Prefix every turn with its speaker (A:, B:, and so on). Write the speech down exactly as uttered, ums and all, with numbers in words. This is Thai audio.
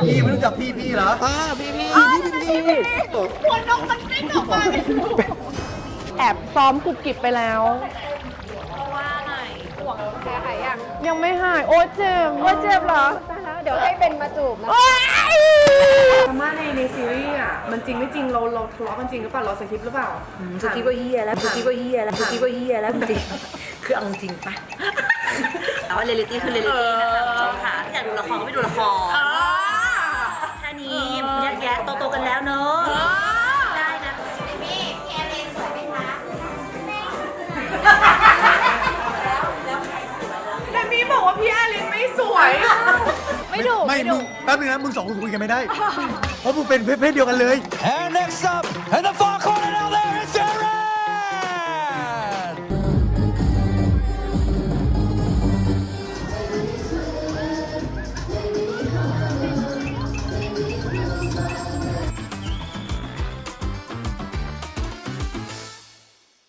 A: พี่ไม่รู้จักพี่พี่เหรอ
B: อ่าพี่พี่
C: พี่พี่หัวนมมันปิ้งออกมาเลยแอบซ้อมกุบกิบไปแล้วว่าไงห่วงแพ้หายยังยังไม่หายโอ้เจ็บโอ้เจ็บเหรอเดี๋ยวให้เป็นมาจูบแล้วดราม่าในในซีรีส์อ่ะมันจริงไม่จริงเราเราทะเลาะกันจริงหรือเปล่าเราสคริปต์หรือเปล่า
D: สคริปต์ก็เฮียแล้วสคริปต์ก็เฮียแล้วสคริปต์ก็เฮียแล้วจริงคือเอาจริงปะแต่ว่าเรียลลิตี้คือเรียลลิตี้นะคะคุณผู้ชมค่ะถ้าอยากดูละครก็ไปดูละครแค่นี้แยกแยะโตๆกันแล้วเนอะได้นะพี่พี่แอร์เรนสวยไหมคะ
C: แต่มีบอกว่าพี่แอลินไม่สวยไม่ดู
A: ไม่มึงแป๊บนึงนะมึงสองคนคุยกันไม่ได้เพราะมึงเป็นเพศเดียวกันเลย
E: And next up, and the Falcon